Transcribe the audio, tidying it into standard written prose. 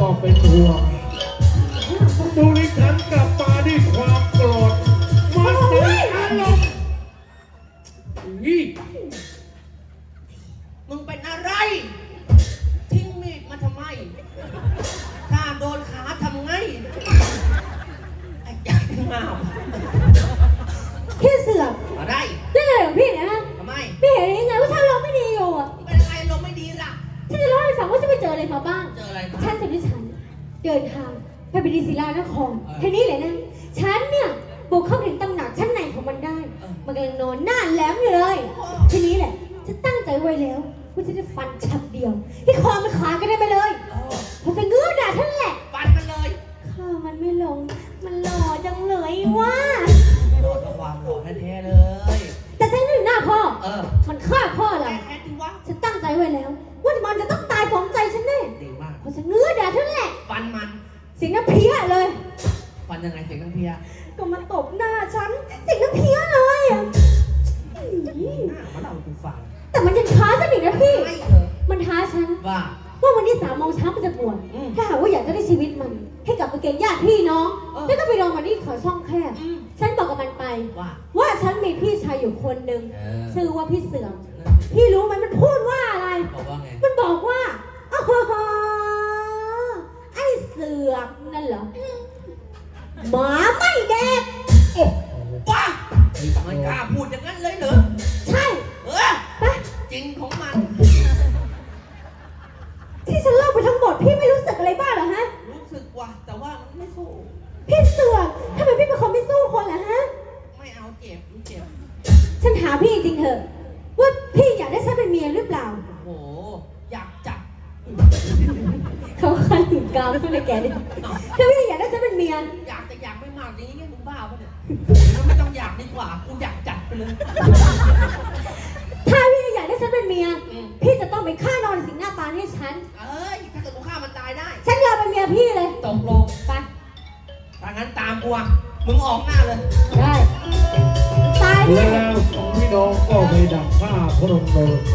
ก็เป็นห่วงดูนี่ฉันกลับมาด้วยความโกรธมันใจอารมณ์มึงเป็นอะไรทิ้งมีดมาทำไมถ้าโดนขาทำไงไอ้ยักษ์งามพี่เสือกอะไรเรื่องอะไรของพี่เนี่ยฮะทำไมไม่เห็นยังไงว่าฉันลมไม่ดีอยู่อ่ะเป็นอะไรลมไม่ดีล่ะฉันจะเล่าให้ฟังว่าฉันไปเจออะไรมาบ้างเจออะไรฉันจะด้วยฉันเดินทางไปบดีศิลานครทีนี้เลยนะฉันเนี่ยบุกเข้าถึงตำหนักชั้นในของมันได้มันกำลังนอนหน้าแหลมอยู่เลยทีนี้แหละฉันตั้งใจไว้แล้วว่าจะฟันฉับเดียวที่คอมันขาดกันได้ไปเลยพอจะเงื้อด่าท่านแหละฟันมันเลยข้ามันไม่ลงมันหล่อจังเลยว่าหล่อกับความหล่อแท้ๆเลยแต่ฉันนึกหน้าพ่อมันฆ่าพ่อเราแท้จริงวะฉันตั้งใจไว้แล้วว่ามันจะต้องตายสมใจฉันแน่ดีมากพอจะเงื้อด่าท่านแหละฟันมันเสียงน้ำเพี้ยเลยฟันยังไงเสียงน้ำเพี้ยก็มาตบหน้าฉันเสียงน้ำเพี้ยเลยอ่ะมันเอากูฟังแต่มันยังท้าฉันอีกนะพี่มันท้าฉันว่าวันนี้3 โมงเช้ามันจะบวชถ้าหากว่าอยากจะได้ชีวิตมันให้กลับไปเกณฑ์ญาติพี่น้องแล้วก็ไปรอมันที่เขาช่องแคบฉันบอกกับมันไปว่าฉันมีพี่ชายอยู่คนหนึ่งชื่อว่าพี่เสือมพี่รู้ไหมมันพูดว่าอะไรมันบอกว่าอ๋อไอ้เสือนั่นเหรอหมาไม่แดกโอ้ป้ามันกล้าพูดอย่างนั้นเลยเหรอใช่ไปจริงของมันที่ฉันเล่าไปทั้งหมดพี่ไม่รู้สึกอะไรบ้างเหรอฮะรู้สึกว่ะแต่ว่ามันไม่สู้พี่เสือทำไมพี่เป็นคนไม่สู้คนล่ะฮะไม่เอาเจ็บฉันถามพี่จริงเถอะว่าพี่อยากได้ฉันเป็นเมียหรือเปล่าโอ้อยากจับเขาคันถึงกาวแล้วเลยแกเนี่ยถ้าพี่อยากได้ฉันเป็นเมียอยากแต่อยากไม่มากอย่างนี้มึงบ้าปะเนี่ยไม่ต้องอยากดีกว่ากูอยากจัดไปเลยถ้าพี่อยากได้ฉันเป็นเมียพี่จะต้องไปฆ่านอนสิงหน้าปานให้ฉันถ้าเกิดกูฆ่ามันตายได้ฉันยอมเป็นเมียพี่เลยตกลงไปถ้างั้นตามกูอ่ะมึงออกหน้าเลยได้ตายแล้ว2 พี่น้องก็ไปดักฆ่าพระนนท์